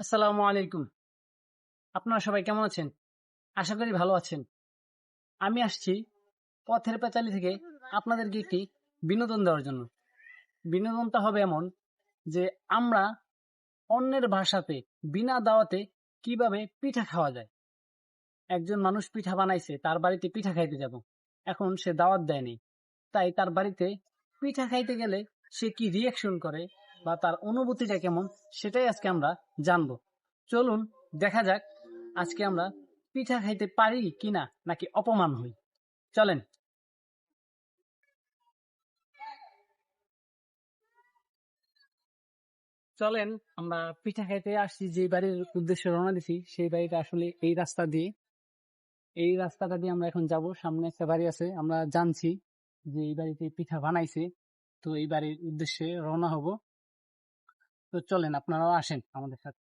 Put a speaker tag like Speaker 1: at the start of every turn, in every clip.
Speaker 1: আসসালামু আলাইকুম। আপনারা সবাই কেমন আছেন? আশা করি ভালো আছেন। আমি আসছি পথের পাঁচালী থেকে আপনাদেরকে একটি বিনোদন দেওয়ার জন্য। বিনোদনটা হবে এমন যে আমরা অন্যের ভাষাতে বিনা দাওয়াতে কিভাবে পিঠা খাওয়া যায়। একজন মানুষ পিঠা বানাইছে, তার বাড়িতে পিঠা খাইতে যাব। এখন সে দাওয়াত দেয়নি, তাই তার বাড়িতে পিঠা খাইতে গেলে সে কি রিয়াকশন করে বা তার অনুভূতিটা কেমন সেটাই আজকে আমরা জানবো। চলুন দেখা যাক আজকে আমরা পিঠা খাইতে পারি কিনা নাকি অপমান হই। চলেন। চলেন আমরা পিঠা খাইতে আসছি, যে বাড়ির উদ্দেশ্যে রওনা দিছি সেই বাড়িটা আসলে এই রাস্তা দিয়ে, এই রাস্তাটা দিয়ে আমরা এখন যাব। সামনে একটা বাড়ি আছে, আমরা জানছি যে এই বাড়িতে পিঠা বানাইছে, তো এই বাড়ির উদ্দেশ্যে রওনা হব। তো চলেন আপনারাও আসেন আমাদের সাথে।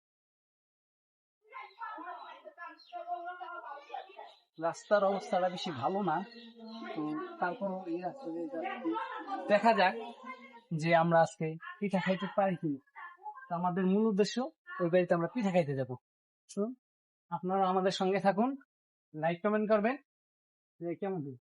Speaker 1: রাস্তার অবস্থাটা বেশি ভালো না, তো তারপরও এই রাস্তা দিয়ে যাচ্ছি। দেখা যাক যে আমরা আজকে পিঠা খাইতে পারি কিনা। তো আমাদের মূল উদ্দেশ্য ওই বাড়িতে আমরা পিঠা খাইতে যাব। তো আপনারা আমাদের সঙ্গে থাকুন, লাইক কমেন্ট করবেন যে কেমন হয়।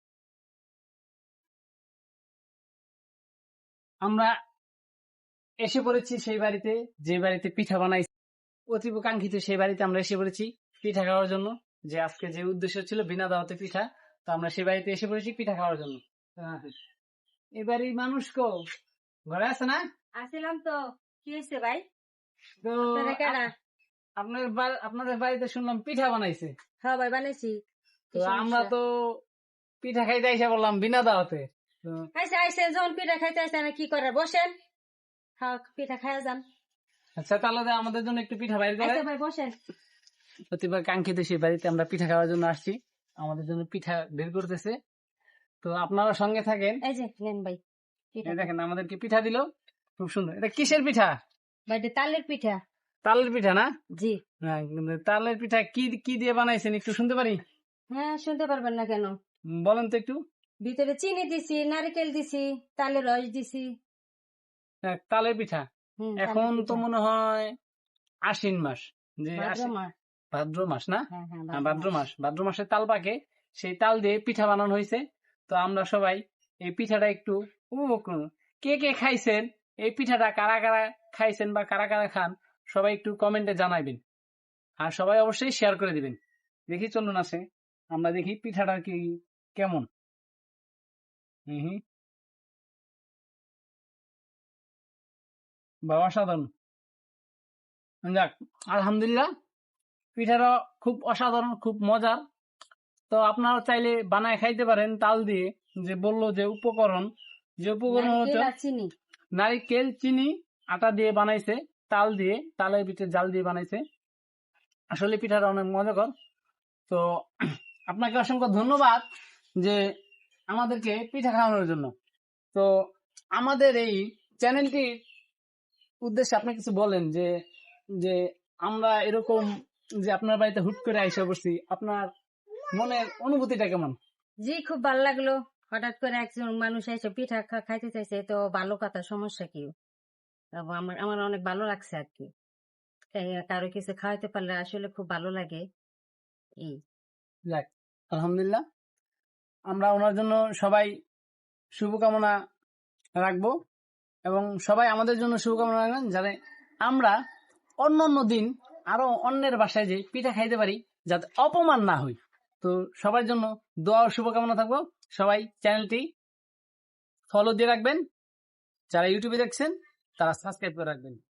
Speaker 1: আমরা এসে পড়েছি সেই বাড়িতে, যে বাড়িতে পিঠা বানাইছি, অতীব কাঙ্ক্ষিত সেই বাড়িতে আমরা এসে পড়েছি পিঠা খাওয়ার জন্য। যে আজকে যে উদ্দেশ্য ছিল বিনা দাওয়াতে পিঠা, তো আমরা সেই বাড়িতে এসে পড়েছি পিঠা খাওয়ার জন্য। এবারে মানুষ কো ঘরে আছে না?
Speaker 2: আসিলাম তো। কি হয়েছে ভাই?
Speaker 1: তো আপনাদের বাড়িতে শুনলাম পিঠা বানাইছে।
Speaker 2: হ্যাঁ ভাই বানাইছি।
Speaker 1: তো আমরা তো পিঠা খাইতে এসে বললাম বিনা দাওয়াতে।
Speaker 2: আইসে আইসে যখন পিঠা খাইতে আসে না কি করে বসেন, হ্যাঁ পিঠা খাইয়া যান।
Speaker 1: আচ্ছা তাহলে আমাদের জন্য একটু পিঠা বাইর করে।
Speaker 2: ভাই বসেন।
Speaker 1: প্রতিবার কাঙ্ক্ষিত সেই বাড়িতে আমরা পিঠা খাওয়ার জন্য আসছি, আমাদের জন্য পিঠা বের করতেছে। তো আপনারা সঙ্গে থাকেন।
Speaker 2: এই যে নেন ভাই
Speaker 1: দেখেন আমাদেরকে পিঠা দিল, খুব সুন্দর। এটা কিসের পিঠা?
Speaker 2: ভাই তালের পিঠা।
Speaker 1: তালের পিঠা না?
Speaker 2: জি।
Speaker 1: তালের পিঠা কি কি দিয়ে বানাইছেন একটু শুনতে পারি?
Speaker 2: হ্যাঁ শুনতে পারবেন না কেন,
Speaker 1: বলেন তো একটু।
Speaker 2: ভিতরে চিনি দিছি, নারকেল দিছি, তালের রস দিছি।
Speaker 1: তালের পিঠা। এখন তো মনে হয় আশ্বিন মাস, যে ভাদ্র মাস না? ভাদ্র মাসে তাল পাকে, সেই তাল দিয়ে পিঠা বানানো হয়েছে। তো আমরা সবাই এই পিঠাটা একটু উপভোগ করুন। কে কে খাইছেন এই পিঠাটা, কারা কারা খাইছেন বা কারা কারা খান, সবাই একটু কমেন্টে জানাইবেন, আর সবাই অবশ্যই শেয়ার করে দিবেন। দেখি চলুন আছে আমরা দেখি পিঠাটা কি কেমন। বা অসাধারণ। যাক আলহামদুলিল্লাহ, পিঠাটা খুব অসাধারণ, খুব মজার। তো আপনারা চাইলে বানায় খাইতে পারেন তাল দিয়ে। যে বললো যে উপকরণ হচ্ছে নারিকেল, চিনি, আটা দিয়ে বানাইছে, তাল দিয়ে, তালের ভিতরে জাল দিয়ে বানাইছে। আসলে পিঠাটা অনেক মজাকর। তো আপনাকে অসংখ্য ধন্যবাদ যে আমাদেরকে পিঠা খাওয়ানোর জন্য। তো আমাদের এই চ্যানেলটির উদ্দেশ্যে আপনি কিছু বলেন, যে যে আমরা এরকম যে আপনার বাড়িতে হুট করে আইসা বসছি, আপনার মনের অনুভূতিটা কেমন?
Speaker 2: জি খুব ভালো লাগলো, হঠাৎ করে একজন মানুষ এসে পিঠা খাইতে চাইছে, তো ভালো কথা, সমস্যা কি? আমার আমার অনেক ভালো লাগছে আর কি। কারো কিছু খাওয়াইতে পারলে আসলে খুব ভালো লাগে। এই
Speaker 1: যাক আলহামদুলিল্লাহ, আমরা ওনার জন্য সবাই শুভকামনা রাখবো, এবং সবাই আমাদের জন্য শুভকামনা রাখবেন, যাতে আমরা অন্য অন্য দিন আরো অন্যের বাসায় যে পিঠা খাইতে পারি, যাতে অপমান না হই। তো সবার জন্য দোয়া ও শুভকামনা থাকবো। সবাই চ্যানেলটি ফলো দিয়ে রাখবেন, যারা ইউটিউবে দেখছেন তারা সাবস্ক্রাইব করে রাখবেন।